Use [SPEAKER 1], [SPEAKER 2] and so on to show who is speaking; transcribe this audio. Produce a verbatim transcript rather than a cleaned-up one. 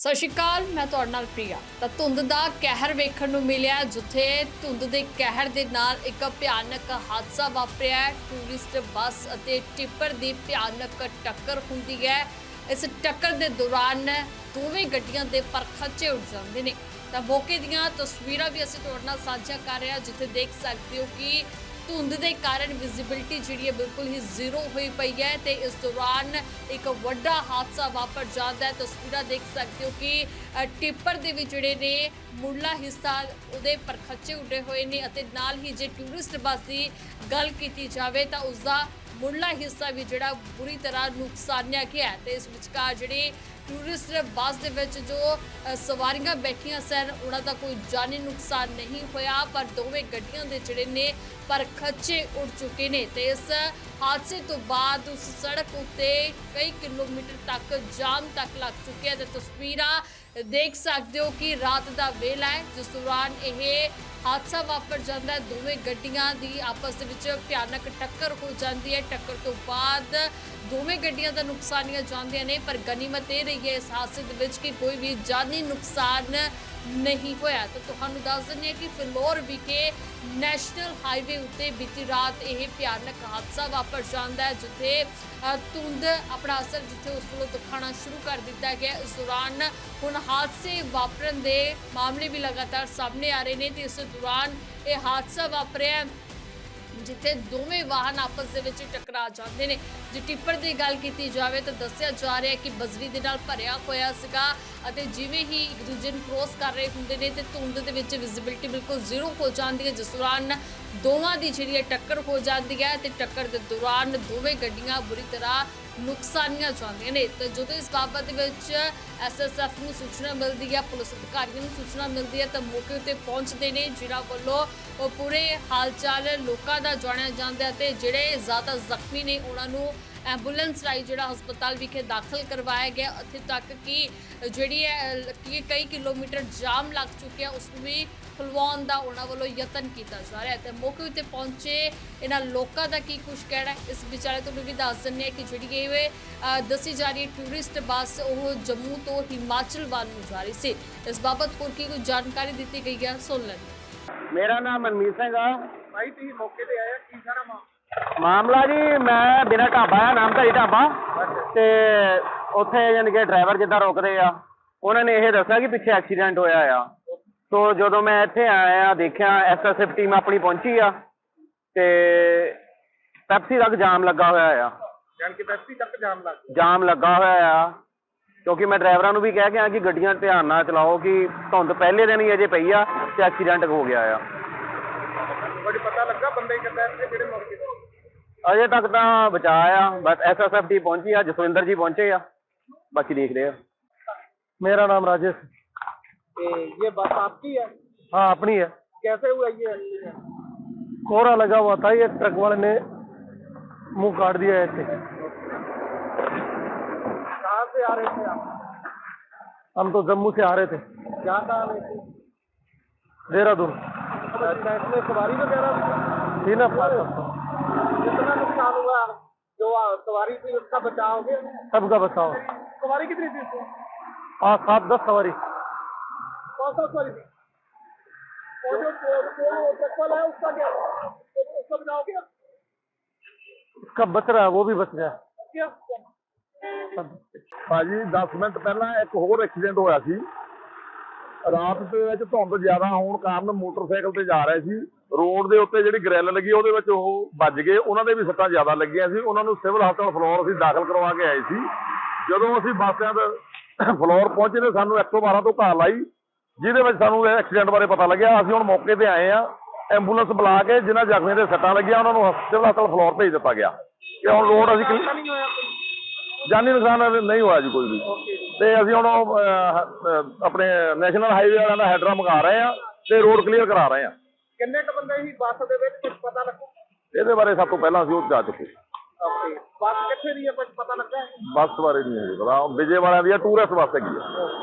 [SPEAKER 1] ਸਤਿ ਸ਼੍ਰੀ ਅਕਾਲ, ਮੈਂ ਤੁਹਾਡੇ ਨਾਲ ਪ੍ਰਿਆ। ਤਾਂ ਧੁੰਦ ਦਾ ਕਹਿਰ ਵੇਖਣ ਨੂੰ ਮਿਲਿਆ, ਜਿੱਥੇ ਧੁੰਦ ਦੇ ਕਹਿਰ ਦੇ ਨਾਲ ਇੱਕ ਭਿਆਨਕ ਹਾਦਸਾ ਵਾਪਰਿਆ ਹੈ। ਟੂਰਿਸਟ ਬੱਸ ਅਤੇ ਟਿੱਪਰ ਦੀ ਭਿਆਨਕ ਟੱਕਰ ਹੁੰਦੀ ਹੈ। ਇਸ ਟੱਕਰ ਦੇ ਦੌਰਾਨ ਦੋਵੇਂ ਗੱਡੀਆਂ ਦੇ ਪਰਖਚੇ ਉੱਡ ਜਾਂਦੇ ਨੇ। ਤਾਂ ਮੌਕੇ ਦੀਆਂ ਤਸਵੀਰਾਂ ਵੀ ਅਸੀਂ ਤੁਹਾਡੇ ਨਾਲ ਸਾਂਝਾ ਕਰ ਰਹੇ ਹਾਂ, ਜਿੱਥੇ ਦੇਖ ਸਕਦੇ ਹੋ ਕਿ ਧੁੰਦ ਦੇ ਕਾਰਨ ਵਿਜ਼ਿਬਿਲਿਟੀ ਜਿਹੜੀ ਹੈ ਬਿਲਕੁਲ ਹੀ ਜ਼ੀਰੋ ਹੋਈ ਪਈ ਹੈ ਤੇ ਇਸ ਦੌਰਾਨ ਇੱਕ ਵੱਡਾ ਹਾਦਸਾ ਵਾਪਰ ਜਾਂਦਾ ਹੈ। ਤਸਵੀਰਾਂ ਦੇਖ ਸਕਦੇ ਹੋ ਕਿ ਟਿੱਪਰ ਦੇ ਵਿੱਚ ਜਿਹੜੇ ਨੇ ਮੁੱਢਲਾ ਹਿੱਸਾ ਉਹਦੇ ਪਰਖਚੇ ਉੱਡੇ ਹੋਏ ਨੇ ਅਤੇ ਨਾਲ ਹੀ ਜੇ ਟੂਰਿਸਟ ਬੱਸ ਦੀ ਗੱਲ ਕੀਤੀ ਜਾਵੇ ਤਾਂ ਉਸਦਾ ਮੁੱਢਲਾ ਹਿੱਸਾ ਵੀ ਜਿਹੜਾ ਬੁਰੀ ਤਰ੍ਹਾਂ ਨੁਕਸਾਨਿਆ ਗਿਆ ਹੈ। ਤੇ ਇਸ ਵਿਚਕਾਰ ਜਿਹੜੀ ਟੂਰਿਸਟ ਬੱਸ ਦੇ ਵਿੱਚ ਜੋ ਸਵਾਰੀਆਂ ਬੈਠੀਆਂ ਸਨ ਉਹਨਾਂ ਦਾ ਕੋਈ ਜਾਨੀ ਨੁਕਸਾਨ ਨਹੀਂ ਹੋਇਆ, ਪਰ ਦੋਵੇਂ ਗੱਡੀਆਂ ਦੇ ਜਿਹੜੇ ਨੇ ਪਰਖਚੇ ਉੱਡ ਚੁੱਕੇ ਨੇ। ਤੇ ਇਸ ਹਾਦਸੇ ਤੋਂ ਬਾਅਦ ਉਸ ਸੜਕ ਉੱਤੇ ਕਈ ਕਿਲੋਮੀਟਰ ਤੱਕ ਜਾਮ ਤੱਕ ਲੱਗ ਚੁੱਕਿਆ ਤੇ ਤਸਵੀਰਾਂ ਦੇਖ ਸਕਦੇ ਹੋ ਕਿ ਰਾਤ ਦਾ ਵੇਲਾ ਹੈ, ਜਿਸ ਦੌਰਾਨ ਇਹ ਹਾਦਸਾ ਵਾਪਰ ਜਾਂਦਾ ਹੈ। ਦੋਵੇਂ ਗੱਡੀਆਂ ਦੀ ਆਪਸ ਦੇ ਵਿੱਚ ਭਿਆਨਕ ਟੱਕਰ ਹੋ ਜਾਂਦੀ ਹੈ। ਟੱਕਰ ਤੋਂ ਬਾਅਦ ਦੋਵੇਂ ਗੱਡੀਆਂ ਦਾ ਨੁਕਸਾਨੀਆਂ ਜਾਂਦੀਆਂ ਨੇ, ਪਰ ਗਨੀਮਤ ਇਹ ਰਹੀ ਹੈ ਇਸ ਹਾਦਸੇ ਦੇ ਵਿੱਚ ਕਿ ਕੋਈ ਵੀ ਜਾਨੀ ਨੁਕਸਾਨ ਨਹੀਂ ਹੋਇਆ। ਤਾਂ ਤੁਹਾਨੂੰ ਦੱਸ ਦਿੰਦੇ ਹਾਂ ਕਿ ਫਿਲੌਰ ਵਿਖੇ ਨੈਸ਼ਨਲ ਹਾਈਵੇ ਉੱਤੇ ਬੀਤੀ ਰਾਤ ਇਹ ਭਿਆਨਕ ਹਾਦਸਾ ਵਾਪਰ ਜਾਂਦਾ ਹੈ, ਜਿੱਥੇ ਧੁੰਦ ਆਪਣਾ ਅਸਰ ਜਿੱਥੇ ਉਸ ਵੱਲੋਂ ਦਿਖਾਉਣਾ ਸ਼ੁਰੂ ਕਰ ਦਿੱਤਾ ਗਿਆ। ਇਸ ਦੌਰਾਨ ਹੁਣ ਹਾਦਸੇ ਵਾਪਰਨ ਦੇ ਮਾਮਲੇ ਵੀ ਲਗਾਤਾਰ ਸਾਹਮਣੇ ਆ ਰਹੇ ਨੇ ਤੇ ਇਸ ਦੌਰਾਨ ਇਹ ਹਾਦਸਾ ਵਾਪਰਿਆ ਜਿੱਥੇ ਦੋਵੇਂ ਵਾਹਨ ਆਪਸ ਦੇ ਵਿੱਚ ਟਕਰਾ ਜਾਂਦੇ ਨੇ। ਜੇ ਟਿੱਪਰ ਦੀ ਗੱਲ ਕੀਤੀ ਜਾਵੇ ਤਾਂ ਦੱਸਿਆ ਜਾ ਰਿਹਾ ਹੈ ਕਿ ਬਜਰੀ ਦੇ ਨਾਲ ਭਰਿਆ ਹੋਇਆ ਸੀਗਾ ਅਤੇ ਜਿਵੇਂ ਹੀ ਇੱਕ ਦੂਜੇ ਨੂੰ ਕ੍ਰੋਸ ਕਰ ਰਹੇ ਹੁੰਦੇ ਨੇ ਤੇ ਧੁੰਦ ਦੇ ਵਿੱਚ ਵਿਜ਼ਿਬਿਲਿਟੀ ਬਿਲਕੁਲ ਜ਼ੀਰੋ ਹੋ ਜਾਂਦੀ ਹੈ, ਜਿਸ ਦੌਰਾਨ ਦੋਵਾਂ ਦੀ ਜਿਹੜੀ ਹੈ ਟੱਕਰ ਹੋ ਜਾਂਦੀ ਹੈ ਤੇ ਟੱਕਰ ਦੇ ਦੌਰਾਨ ਦੋਵੇਂ ਗੱਡੀਆਂ ਬੁਰੀ ਤਰ੍ਹਾਂ ਨੁਕਸਾਨੀਆਂ ਜਾਂਦੀਆਂ ਨੇ। ਤੇ ਜਦੋਂ ਇਸ ਬਾਬਤ ਦੇ ਵਿੱਚ ਐਸ ਐਸ ਐਫ ਨੂੰ ਸੂਚਨਾ ਮਿਲਦੀ ਹੈ, ਪੁਲਿਸ ਅਧਿਕਾਰੀਆਂ ਨੂੰ ਸੂਚਨਾ ਮਿਲਦੀ ਹੈ ਤਾਂ ਮੌਕੇ ਉੱਤੇ ਪਹੁੰਚਦੇ ਨੇ, ਜਿਨ੍ਹਾਂ ਵੱਲੋਂ ਉਹ ਪੂਰੇ ਹਾਲ ਚਾਲ ਲੋਕਾਂ ਦਾ ਜਾਣਿਆ ਜਾਂਦਾ ਤੇ ਜਿਹੜੇ ਜ਼ਿਆਦਾ ਜ਼ਖਮੀ ਨੇ ਉਹਨਾਂ ਨੂੰ ਐਂਬੂਲੈਂਸ ਰਾਹੀਂ ਜਿਹੜਾ ਹਸਪਤਾਲ ਵਿਖੇ ਦਾਖਲ ਕਰਵਾਇਆ ਗਿਆ। ਇੱਥੇ ਤੱਕ ਕਿ ਜਿਹੜੀ ਹੈ ਕਿ ਕਈ ਕਿਲੋਮੀਟਰ ਜਾਮ ਲੱਗ ਚੁੱਕਿਆ, ਉਸ ਨੂੰ ਵੀ ਖੁਲਵਾਉਣ ਦਾ ਉਹਨਾਂ ਵੱਲੋਂ ਯਤਨ ਕੀਤਾ ਜਾ ਰਿਹਾ ਤੇ ਮੌਕੇ ਉੱਤੇ ਪਹੁੰਚੇ ਇਹਨਾਂ ਲੋਕਾਂ ਦਾ ਕੀ ਕੁਝ ਕਹਿਣਾ ਹੈ ਇਸ ਵਿਚਾਲੇ ਤੁਹਾਨੂੰ ਵੀ ਦੱਸ ਦਿੰਦੇ ਹਾਂ ਕਿ ਜਿਹੜੀ ਇਹ ਦੱਸੀ ਜਾ ਰਹੀ ਟੂਰਿਸਟ ਬੱਸ ਉਹ ਜੰਮੂ ਤੋਂ ਹਿਮਾਚਲ ਵੱਲ ਨੂੰ ਜਾ ਰਹੀ ਸੀ। ਇਸ ਬਾਬਤ ਹੋਰ ਕੀ ਕੋਈ ਜਾਣਕਾਰੀ ਦਿੱਤੀ ਗਈ ਹੈ, ਸੁਣ ਲੈਂਦੇ।
[SPEAKER 2] ਮੇਰਾ ਨਾਮ ਮਨਮੀਤ ਸਿੰਘ ਆ।
[SPEAKER 3] ਭਾਈ ਤੁਸੀਂ ਮੌਕੇ ਤੇ ਆਇਆ, ਕੀ ਸਾਰਾ ਮਾਮਲਾ?
[SPEAKER 2] ਮਾਮਲਾ ਜੀ, ਮੈਂ ਬਿਨਾਂ ਢਾਬਾ ਆ, ਨਾਮਧਾਰੀ ਢਾਬਾ, ਤੇ ਉੱਥੇ ਯਾਨੀ ਕਿ ਡਰਾਈਵਰ ਜਿੱਦਾਂ ਰੁਕਦੇ ਆ ਉਹਨਾਂ ਨੇ ਇਹ ਦੱਸਿਆ ਕਿ ਪਿੱਛੇ ਐਕਸੀਡੈਂਟ ਹੋਇਆ ਆ। ਸੋ ਜਦੋਂ ਮੈਂ ਇੱਥੇ ਆਇਆ ਦੇਖਿਆ ਐਸ ਐਸ ਐਫ ਟੀਮ ਆਪਣੀ ਪਹੁੰਚੀ ਆ ਤੇ ਪੈਪਸੀ ਤੱਕ ਜਾਮ ਲੱਗਾ ਹੋਇਆ ਆ।
[SPEAKER 3] ਜਾਨ ਕਿ ਪੈਪਸੀ ਤੱਕ ਜਾਮ ਲੱਗ ਗਿਆ।
[SPEAKER 2] ਜਾਮ ਲੱਗਾ ਹੋਇਆ ਆ ਕਿਉਂਕਿ ਮੈਂ ਡਰਾਈਵਰਾਂ ਨੂੰ ਵੀ ਕਹਿ ਕੇ ਆ ਕਿ ਗੱਡੀਆਂ ਧਿਆਨ ਨਾਲ ਚਲਾਓ ਕਿ ਧੁੰਦ ਪਹਿਲੇ ਦਿਨ ਹੀ ਅਜੇ ਪਈ ਆ ਤੇ ਐਕਸੀਡੈਂਟ ਹੋ ਗਿਆ ਆ।
[SPEAKER 3] ਬੜੀ ਪਤਾ ਲੱਗਾ ਬੰਦੇ ਕਿੱਦਾਂ ਇੱਥੇ ਜਿਹੜੇ ਮੌਕੇ ਤੇ?
[SPEAKER 2] ਅਜੇ ਤੱਕ ਤਾਂ ਬਚਾ ਆ, ਬਸ ਐਸ ਐਸ ਐਫ ਟੀ ਪਹੁੰਚੀ ਆ, ਜਸਵਿੰਦਰ ਜੀ ਪਹੁੰਚੇ ਆ, ਬਾਕੀ ਦੇਖ ਰਹੇ ਆ। मेरा नाम राजेश।
[SPEAKER 3] ये बस आपकी है?
[SPEAKER 2] हाँ, अपनी है।
[SPEAKER 3] कैसे हुआ ये एक्सीडेंट?
[SPEAKER 2] कोहरा लगा हुआ था, ये ट्रक वाले ने मुंह काट दिया ऐसे।
[SPEAKER 3] कहाँ से आ रहे थे आप?
[SPEAKER 2] हम तो जम्मू से आ रहे थे।
[SPEAKER 3] क्या कहाँ आ रहे थे?
[SPEAKER 2] देहरादून।
[SPEAKER 3] इसमें सवारी वगैरह
[SPEAKER 2] थी ना?
[SPEAKER 3] कितना नुकसान हुआ? जो सवारी थी उसका बचाव हो गया?
[SPEAKER 2] सबका बचाओ।
[SPEAKER 3] सवारी कितनी थी उसमें?
[SPEAKER 2] हाँ, सात दस सवारी।
[SPEAKER 3] कौन सा सवारी थी? और जो ट्रक वाला है उसका क्या हुआ? उसका बचाव हो गया?
[SPEAKER 2] उसका बच रहा है, वो भी बच गया।
[SPEAKER 3] क्या?
[SPEAKER 4] ਭਾਜੀ ਦਸ ਮਿੰਟ ਪਹਿਲਾਂ ਇੱਕ ਹੋਰ ਐਕਸੀਡੈਂਟ ਹੋਇਆ ਸੀ। ਰਾਤ ਦੇ ਵਿੱਚ ਧੁੰਦ ਜ਼ਿਆਦਾ ਹੋਣ ਕਾਰਨ ਮੋਟਰਸਾਈਕਲ ਤੇ ਜਾ ਰਹੇ ਸੀ, ਰੋਡ ਦੇ ਉੱਤੇ ਜਿਹੜੀ ਗ੍ਰਿਲ ਲੱਗੀ ਉਹਦੇ ਵਿੱਚ ਉਹ ਵੱਜ ਗਏ, ਉਹਨਾਂ ਦੇ ਵੀ ਸੱਟਾਂ ਜ਼ਿਆਦਾ ਲੱਗੀਆਂ ਸੀ। ਉਹਨਾਂ ਨੂੰ ਸਿਵਲ ਹਸਪਤਾਲ ਫਲੋਰ ਅਸੀਂ ਦਾਖਲ ਕਰਵਾ ਕੇ ਆਏ ਸੀ। ਜਦੋਂ ਅਸੀਂ ਬੱਸ ਸਟੈਂਡ ਫਲੋਰ ਪਹੁੰਚੇ ਨੇ ਸਾਨੂੰ ਇੱਕ ਸੌ ਬਾਰਾਂ ਤੋਂ ਕਾਲ ਆਈ, ਜਿਹਦੇ ਵਿੱਚ ਸਾਨੂੰ ਇਹ ਐਕਸੀਡੈਂਟ ਬਾਰੇ ਪਤਾ ਲੱਗਿਆ। ਅਸੀਂ ਹੁਣ ਮੌਕੇ ਤੇ ਆਏ ਆ, ਐਂਬੂਲੈਂਸ ਬੁਲਾ ਕੇ ਜਿਨ੍ਹਾਂ ਜ਼ਖਮੀਆਂ ਦੇ ਸੱਟਾਂ ਲੱਗੀਆਂ ਉਹਨਾਂ ਨੂੰ ਸਿਵਲ ਹਸਪਤਾਲ ਫਲੋਰ ਭੇਜ ਦਿੱਤਾ ਗਿਆ। ਤੇ ਹੁਣ ਰੋਡ ਅਸੀਂ
[SPEAKER 3] नहीं होया कोई?
[SPEAKER 4] ਜਾਨੀ ਨੁਕਸਾਨ ਨਹੀਂ ਹੋਇਆ ਜੀ ਕੋਈ ਵੀ। ਤੇ ਅਸੀਂ ਹੁਣ ਆਪਣੇ ਨੈਸ਼ਨਲ ਹਾਈਵੇ ਵਾਲਿਆਂ ਦਾ ਹੈਡਰਾ ਮੰਗਾ ਰਹੇ ਆ ਤੇ ਰੋਡ ਕਲੀਅਰ ਕਰਾ ਰਹੇ ਆ।
[SPEAKER 3] ਕਿੰਨੇ ਕ ਬੰਦੇ ਸੀ ਬੱਸ ਦੇ ਵਿੱਚ, ਕੁਝ ਪਤਾ ਲੱਗਾ?
[SPEAKER 4] ਇਹਦੇ ਬਾਰੇ ਸਭ ਤੋਂ ਪਹਿਲਾਂ ਅਸੀਂ ਉਹ ਜਾ ਚੁੱਕੇ।
[SPEAKER 3] ਓਕੇ, ਬੱਸ ਕਿੱਥੇ ਦੀ ਹੈ, ਕੁਝ ਪਤਾ ਲੱਗਾ?
[SPEAKER 4] ਬੱਸ ਬਾਰੇ ਨਹੀਂ ਹੈ ਪਤਾ, ਵਿਜੇ ਵਾਲਿਆਂ ਦੀ ਟੂਰਿਸਟ ਬੱਸ ਹੈਗੀ ਆ।